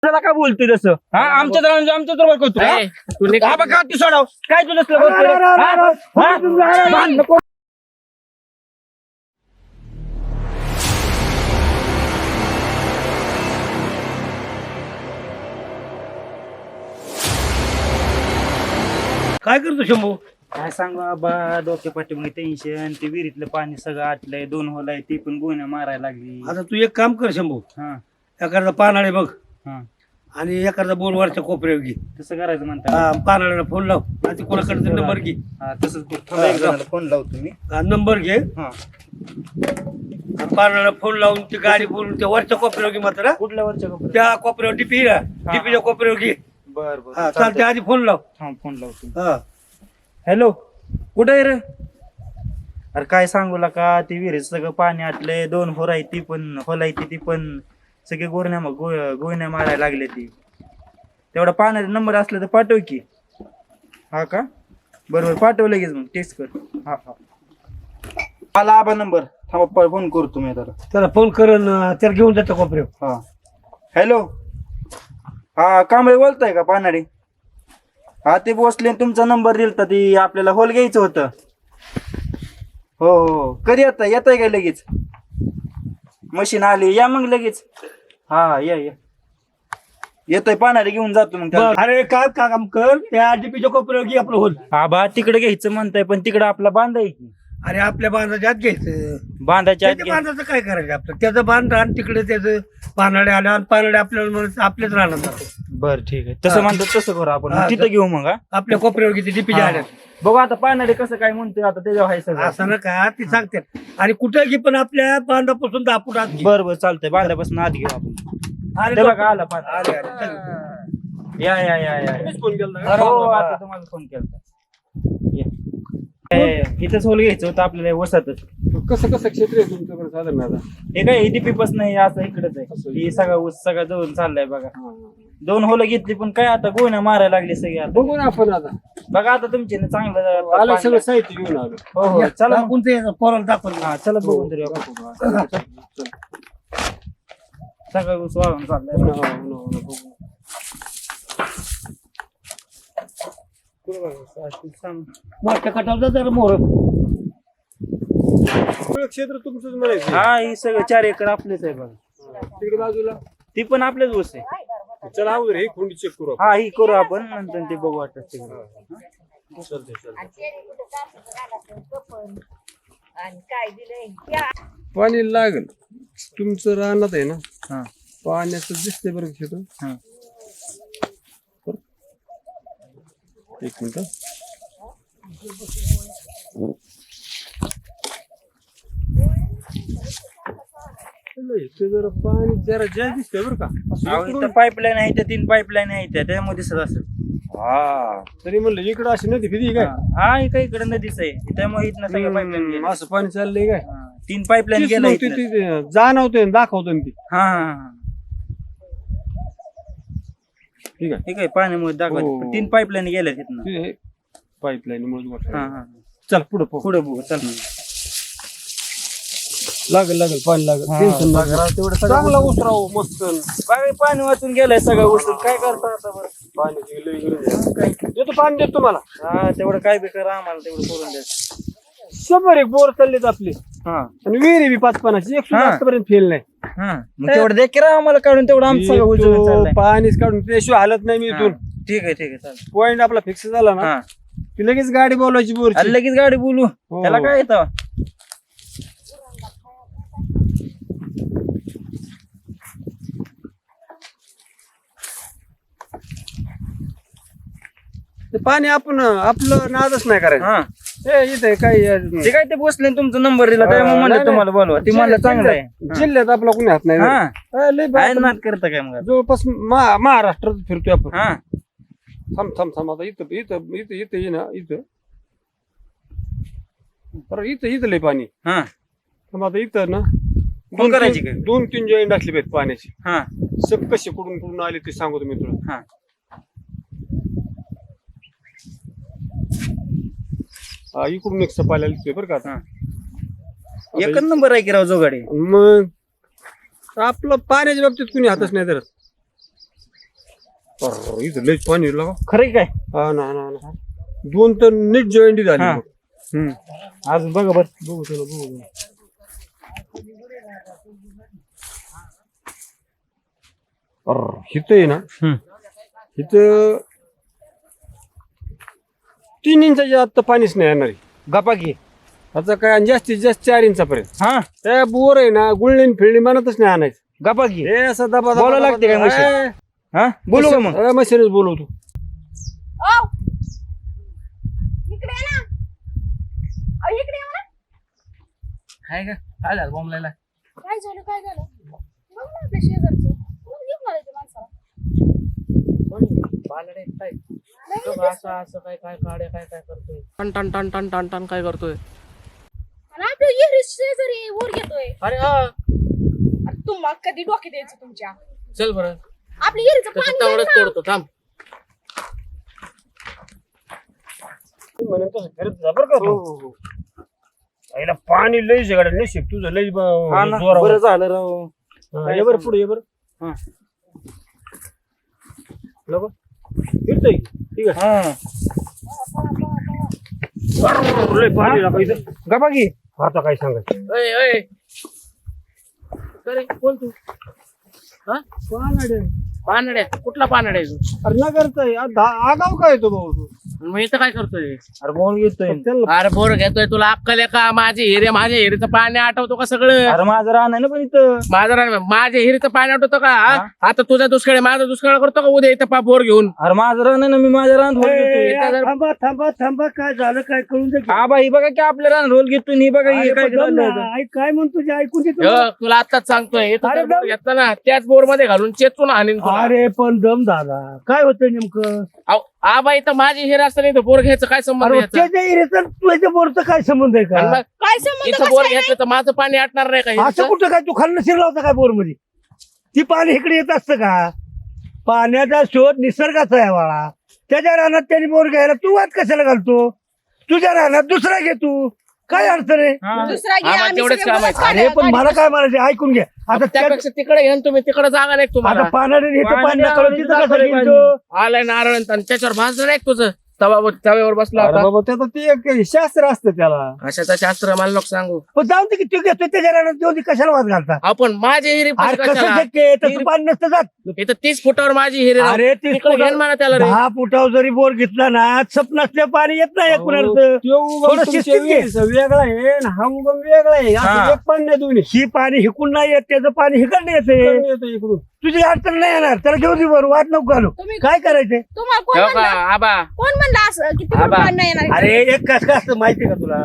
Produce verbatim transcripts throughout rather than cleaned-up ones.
त्याला काय बोलतोय तसं हा आमच्या तर आमच्या तर करतो हा बघा ती सोडाव काय तू नसलं काय करतो शंभू? काय सांगू बाबा डोक्या पाठीमागे टेन्शन ते विहिरीतलं पाणी सगळं आटलंय दोन होल आहे ती पण गोण्या मारायला लागली आता तू एक काम कर शंभू, हा एखादा पानाळे बघ हा आणि एखादा बोल वरच्या कोपऱ्यावर घे. तसं करायचं म्हणता हा, पानाळ्याला फोन लाव आणि कोणाकडे नंबर घे. हा तसंच करू. थांबा, एक जणाला फोन लावतो मी हा, नंबर घे. हा पानाळ्याला फोन लावून ती गाडी बोलून त्या वरच्या कोपऱ्यावर घे मात्र. कुठल्या वरच्या कपड्यात त्या कोपऱ्यावर टिपी ना टिपीच्या कोपऱ्यावर घे. बर बर हा चालते, आधी फोन लाव. हा फोन लावतो. हा हॅलो कुठे आहे रे? अरे काय सांगू का ती विहिरीत सगळं पाणी आटलंय दोन होर आहे ती पण होल आहे ती पण सगळे गोरण्या गो- गोण्या मारायला लागले ती तेवढा पाण्याचा नंबर असला तर पाठव की. हा का बरोबर पाठव लगेच मग टेक्स्ट कर. हा हा आला आबा नंबर थांबा फोन करतो मी त्याला. त्याला फोन कर न त्याला घेऊन जातो कोपऱ्यावर. हा हॅलो हा कांबळे बोलताय का पानाडी? हा ते बसले तुमचा नंबर दिलता ती आपल्याला होल घ्यायचं होतं. हो हो कधी येता येताय काय लगेच? मशीन आली या मग लगेच. हा या या येतोय पानाडी घेऊन जातो मग त्याला. बरं. अरे काय का काम कर, त्या टिपीच्या कोपऱ्यावर घे आपलं होल. हा बा तिकडे घ्यायचं म्हणताय पण तिकडे आपला बांधाय की अरे आपल्या बांधाच्या आत घ्यायचं. बांधायच्या आत त्याच्या घ्या. बांधाचं काय करायचं आपलं? त्याचं बांध आणि तिकडे त्याचं पानाडे आल्या आणि पानाडे आपल्याला म्हणून आपल्याच राहणार जातो. बर ठीक आहे तसं म्हणतो तसं करू आपण हा, मग तिथं घेऊ मग हा. आपल्या कोपऱ्यावर किती टिपीच्या हा. आल्या बघू आता पानाडी कसं काय म्हणतोय आता त्याच्यावर आहे सगळं. असं ना का ती सांगते. आणि कुठे घे पण आपल्या बांधापासून दहा फूट आत घे. बर बर चालतंय बांधापासून आत घेऊ आपण. अरे ते लोक- बघा आला पान. अरे अरे चल. या या या या फोन केला हो आता तुम्हाला फोन केला. इथंच होल घ्यायचं होतं आपल्याला वसातच. कसं कसं क्षेत्र आहे तुमच्याकडे साधारण आता? हे काय डीपी पास नाही असं इकडेच आहे. ही सगळा ऊस सगळा जवळ चाललाय बघा. दोन होलं घेतली पण काय आता गोण्या मारायला लागली सगळी आता. बघू ना आपण आता. बघा आता तुमचे ना चांगलं आलं पाणी- सगळं साहित्य घेऊन आलो. हो हो चला मग. कोणतं याचं पोराला दाखवलं. हा चला बघून तरी आपण. सगळा ऊस वाळून चाललाय हो ना, हो ना, हो ना, बघू. मोठ्या कटाला जरा मोर. सगळं क्षेत्र तुमचंच म्हणायचं. हा ही सगळं चार एकर आपलेच आहे बघा. तिकडे बाजूला ती पण आपलेच ऊस आहे. चला अगोदर हे खोंडी चेक करू आपण. हा ही करू आपण नंतर ते बघू वाटत तिकडे. चालतंय, चालतंय. काय दिलंय पाणी लागल तुमचं रानात आहे ना, हा पाण्याचं दिसतंय बरं क्षेत्र. हा एक मिनिट. ते जरा पाणी जरा जास्त दिसतंय बरं का. अहो, इथं पाईपलाईन आहे त्या तीन पाईपलाईन आहे त्या त्याच्यामध्ये दिसत असेल. हा तरी म्हणलं इकडं अशी नदी फिरी काय. हा इकडे इकडे नदीच आहे त्यामुळे इथनं सगळं पाईपलाईन हम्म, गेलं. असं पाणी चाललंय काय. हा, तीन पाईपलाईन तीच गेलं मग ते- इथनं. ते जाणवतोय आणि दाखवतोय ना ती. हा हा हा ठीक आहे. ठीक आहे पाण्यामुळे हो. दाखवत तीन पाईपलाईन गेल्या तिथनं. पाईपलाईन मुळे हा हा चल पुढे पुढे पुढे बघू चल. लागेल लागेल पाणी लागेल. हा, टेन्शन बघा, लागेल. तेवढं सगळं चांगला उचलून- उसराव मस्त. बाई, पाणी वाचून गेलंय सगळं उचलून काय करता आता बरं. पाण्याची लई गरज आहे. देतो पाणी देतो तुम्हाला. हा तेवढं काय बी करा आम्हाला तेवढं करून द्या. शंभर एक बोर चाललेत आपले हा आणि विहिरी बी पाच पानाची एक सुद्धा हा. आतापर्यंत फेल नाही. हा मग तेवढं दे की राव आम्हाला काढून तेवढं आमचं सगळं उचलून येतो, चाललंय. पाणीच काढून त्याशिवाय हालत नाही मी हा, इथून. ठीक आहे ठीक आहे चालेल. पॉइंट आपला फिक्स झाला ना हा की लगेच गाडी बोलवायची बोरची. अरे लगेच गाडी बोलू हो. त्याला काय येतं. ते पाणी आपण आपलं नादच नाही करायचं. हा हे इथे काही ते काय ते बसले तुमचा नंबर दिला त्यामुळे म्हणलं नाही, तुम्हाला बोलवा ती म्हणलं चांगलं आहे. जिल्ह्यात आपला कोणी हात नाही. हा हा, लय काय बाप- नाद करता काय मग आता? जवळपास मा- महाराष्ट्रात फिरतोय आपण. हा थांब थांब थांब आता इथं इथं इथं इथं ये ना इथं बरं इथं इथं लय पाणी. हा थांब आता इथं ना फोन दोन करायची तीन- काय? दोन तीन जॉईंट असले पाहिजे पाण्याची. हा सब कसे कुठून कुठून आले ते सांगतो मी तुला. हा हा, इकडून एक सपायला दिसतोय बरं का आता. हा एकच नंबर आहे की राव जोगाडे. मग आपलं पाण्याच्या बाबतीत कुणी हातच नाही धरत. अरे, इथं लयच पाणी आहे लागा. खरं काय हा ना ना ना. दोन तर नीट जॉईंट झाली हा. बघ. हम्म. अजून बघा बर बघू चला बघू चला. अरे, इथं आहे ना इथं तीन इंचाच्या आत तर पाणीच नाही येणार आहे. गप्पा घे आता काय आणि जास्तीत जास्त चार इंचापर्यंत हा त्या बोर आहे ना गुळणी फिळणी म्हणतच नाही आणायचं. गप्पा घे हे असं दबा दबा- बोलावं दबा- लागते काय दबा- मशीन? ए, हा बोलू का मग ए, मशीनच बोलवतो. ओ इकडे ये ना. अहो, इकडे ये ना. काय का काय झालं बॉम्बलायला काय झालं काय झालं बघ ना आपल्या शेजारचं कोण घेऊन आलं ते माणसाला बालडे काय तो असं असं काय काय काड्या काय काय करतोय टन टन टन टन टन टन काय करतोय आणि आपल्या येरी शेजारी वर घेतोय. अरे हा अरे तुम्हाला कधी डोके द्यायचं तुमच्या चल बरं आपल्या येरीचं त्याचं पाणी तेवढंच आहे ना. तोडतो थांब म्हणून तसं करत जा बरं का तू. आईला पाणी लय सगळं लय शिक तुझं लय ब- हा ना, जोरावर. बरं झालं राव हा, ये बरं पुढे ये बरं हा. नको फिरतोय ठीक आहे. हा लय पाणी लागलं इथं. गप्पा घे आता काय सांगायचं अय अय अरे बोल तू हा पानड्या कुठला पानड्या आहे तू अरे नगरचा आहे. आ- धा- आगाव काय तो भाऊ तू मग इथं काय करतोय अरे बोल घेतोय त्यांना अरे बोर घेतोय तुला अक्कल आहे का माझे हिरे माझ्या हिरेचं पाणी आठवतो का सगळं अरे माझं रान आहे ना पण इथं माझं रान- माझ्या हिरीचं पाणी आठवतं का हा? आता तुझा दुष्काळ आहे, माझा दुष्काळ करतो का उद्या इथं पा बोर घेऊन अरे माझं रान आहे ना मी माझ्या रान होल ए, घेतोय इथं जर- थांबा थांबा थांबा काय झालं काय कळून दे की. हा बाई बघा की आपल्या रान रोल घेतो ही बघा अरे हे काय पण दम झालं ना, आई काय म्हणतो ते ऐकून घे तू. हो, तुला आताच सांगतोय इथं अरे जर बोर दम- घेतला ना त्याच बोर मध्ये घालून चेचून हाणीन तुला. अरे पण दम दादा काय होतं नेमकं अहो, आबा इथं माझी हिर असताना इथं बोर घ्यायचं काय संबंध अरे याचा? त्याच्या इरेचं तुझ्या बोरचं काय संबंध आहे आणि का मग काय संबंध इथं कसं बोर काय घेतलं तर माझं पाणी आटणार नाही का असं हिरीचं? कुठं काय तू खाल्लं शिरला होता काय बोर मध्ये ती पाणी इकडे येत असतं का पाण्याचा शोध निसर्गाचा आहे बाळा. त्याच्या रानात त्यांनी बोर घ्यायला तू वाद कशाला घालतो तुझ्या रानात दुसरा घे तू काय अडचण आहे हा. दुसरा घे, आम्हाला आम्ही तेवढंच सगळे काम आहे. बोलत अरे काढायला पण मला गाडी. काय म्हणायचं ऐकून घे आता त्या- त्यापेक्षा तिकडे घेऊन तुम्ही तिकडे जागा नाही तुम्हाला आता पाण्याने येतं पाणी पाणी नकळत तिथं कसं पाणी. घेतो आलाय नारळ आणि त्याच्यावर भाजलं नाही का तुझं तवावर तव्यावर बसला अरे होता बाबा त्याचं ते एक शास्त्र असतं त्याला. कशाचं शास्त्र मला नको सांगू पण जाऊन दे की तू घेतो त्याच्या रानात जाऊन दे, कशाला वाद घालता आपण माझी हिरी अरे कसं कशाला शक्य आहे तसं पाणी नसतं जात इथं तीस फुटावर माझी हिरी राहून अरे तीस तिकडे घेऊन फुटावर- म्हणा त्याला रे दहा फुटावर जरी बोर घेतला ना सप नसल्या पाणी येत नाही अहो, कुणाचं त्यो उगम थोडं तुमच्या शिस्तीत घे. विहिरीचा वेगळा आहे आणि हा उगम वेगळा आहे हा. असं एक पण नाही दोन्ही ही पाणी हिकून नाही येत त्याचं पाणी हिकडनं येते इकडून येतो इकडून. तुझी अडचण नाही येणार त्याला घेऊन दे बरं वाद नको घालू तुम्ही काय करायचंय तुम्हाला कोण हो का म्हणलं आबा कोण म्हणलं असं किती पण आबा. पाणी नाही येणार अरे एक कस काय असतं माहितीये का तुला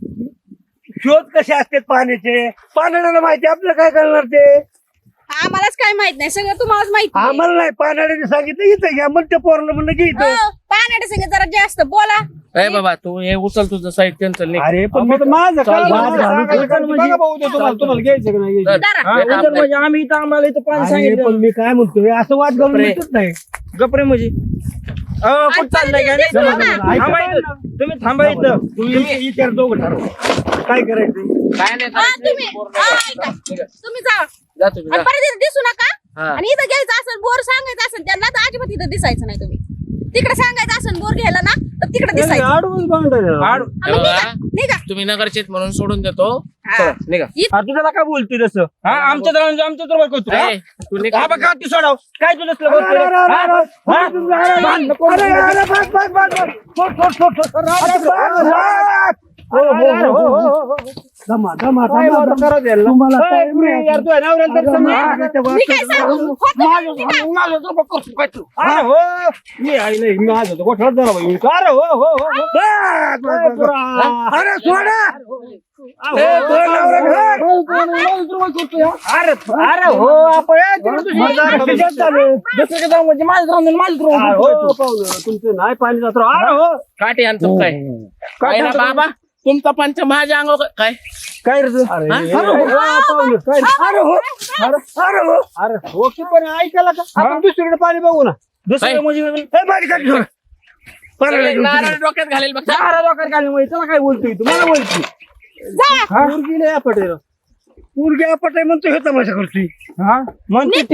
शोध कसे असतात पाण्याचे पाण्याला माहिती आपल्याला काय करणार ते आम्हालाच काय माहित नाही सगळं तुम्हालाच माहिती आहे. आम्हाला नाही पाण्याने सांगितलं इथं घ्या मग ते पोरलं म्हणलं की इथं हो, पाण्याच्या संग जरा जास्त बोला ए बाबा तू हे उचल तुझं साहित्य चल निघ. अरे पण अहो, मी पण माझं काय चालतं. माझं सांगायचं काय नाही. बघा भाऊ ते तुम्हाला तुम्हाला घ्यायचं का नाही घ्यायचं. जरा हा, काम उदर नाही. म्हणजे आम्ही इथं आम्हाला इथं पाणी अरे सांगितलं पण मी काय म्हणतोय असं वाद घालून बापरे. मिळतच नाही गपरे म्हणजे अहो, कुठं चाललंय काय दिसतो ना. थांबा इथं तुम्ही थांबा इथं तुम्ही विचार दोघं ठरव काय करायचं काय नाही हा, करायचं, तुम्ही बोर हा, नाही ऐका. करायचं. तुम्ही जा जा तुम्ही आणि जा. परत इथं दिसू नका हा. आणि इथं घ्यायचं असेल बोर सांगायचं असेल त्यांना तर अजिबात इथं दिसायचं नाही तुम्ही तिकडे सांगायचं असेल बोर घ्यायला ना तर तिकडे दिसायचं आडवून बांधायला. आड- हे बघा, निघा तुम्ही नगरचेत म्हणून सोडून देतो हा. चला, निघा हा, तू त्याला काय बोलतोय तसं हा आमच्या तर आमच्या तर करतो हा? ए, तू निघ. हा बघा ती सोडाव काय तुझं असलं अरे, बोलतोय? अरे, अरे, हा? अरे, हा? अरे, अरे, भांडणं कोण अरे, करतोय? अरे, बस, बस, बस, बस. सोड, सोड, सोड, सोड. अरे, बस, बस. हो, हो, हो, हो, हो, हो. दमा, दमा, काय दमा, वाटतं दमा. करा द्यायला? तुम्हाला ए, time पुरी, नाही. यार, तू आहे ना, नवऱ्याला तर अरे, समजा. माझ्या मी काय वाटतं- सांगू होतं माझं- का? निघा. माझं तर बघ कसं काय तू. अरे हो मी आई नाही माझं तर गोठ्यात झाला बाई. अरे हो हो हो हो. बस, बस, काय बस, पुरा? बस. अरे सोडा अरे, ए, दोन नवरे घर. हो, कोण आहे? माझं तर बघ करतोय, हा. अरे अरे हो आपण ए, तिकडे तुझी माझं अरे, आहे. खिशात चालू. दुसरीकडे जाऊ म्हणजे माझं राहून माझं अरे राहून हो पाहुणं, तुमचं नाही पाणी जात राव. अरे हो काठी आणतो काय काय ना बाबा तुमचा पंच माझ्या अंगावर काय काय रे तू? अरे हा? अरे हो, पाहुणं, काय अरे हो अरे अरे हो अरे हो की पण ऐकायला का आपण दुसरीकडे पाणी बघू ना. दुसरं काय? म्हणजे ए, माझी काठी सोड. पाण्याला घेऊन नारळ तिकडे. डोक्यात घालेल बघ चार डोक्यात घालून म्हणजे त्याला काय बोलतोय तू मला बोलतोय जा पोरगी लय आपट आहे राव. पोरगी आपट आहे म्हणतो हे तमाशा करतोय हा म्हणते निघताय का आता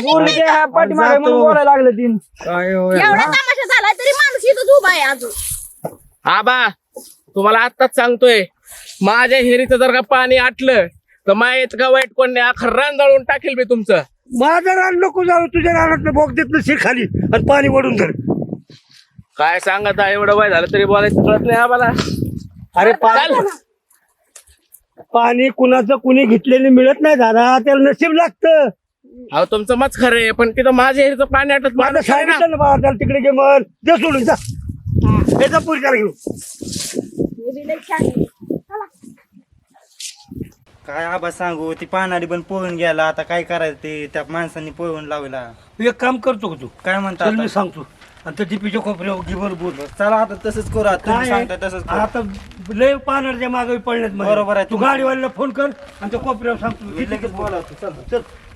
पोरगी ह्या पाठीमागे म्हणून बोलायला लागले तीन एवढा तमाशा झालाय तरी माणूस इथं उभा आहे अजून. आबा तुम्हाला आत्ताच सांगतोय, माझ्या हिरीचं जर का पाणी आटलं तर माहित का वाईट कोण नाही, अख्खं रान जाळून टाकेल मी तुमचं. माझं रान नको जाऊ, तुझ्या रानात बोग देत नसेल खाली आणि पाणी वडून धर. काय सांगत आहे, एवढं वय झालं तरी बोलायचं कळत नाही आम्हाला. अरे पाणी पाणी कुणाचं कुणी घेतलेलं मिळत नाही दादा, त्याला नशीब लागतं. अहो तुमचं मत खरं आहे, पण तिथं माझ्या हिरीचं पाणी आटत माझं माणूस आहे ना. सांगितलं ना बाबा, त्याला तिकडे घे मन दे सोडून जा. याचा पुरकार घेऊ. हे बी लई छान आहे. चला. काय आबा सांगू, ती पानाडी पण पळून गेला. आता काय करायचं ते त्या माणसांनी पळून लावला. तू एक काम करतो का तू, काय म्हणता चल मी आता? सांगतो आणि त्या टिपीच्या खोपऱ्यावर घे बरं बोल. चला आता तसंच करू. आता तुम्ही काय सांगता तसंच करू. आता लय पानाच्या मागे पडण्यात मला. बरोबर आहे. तू गाडीवाल्याला फोन कर आणि त्या कोपऱ्यावर सांगतो मी लगेच बोलावतो. चल चल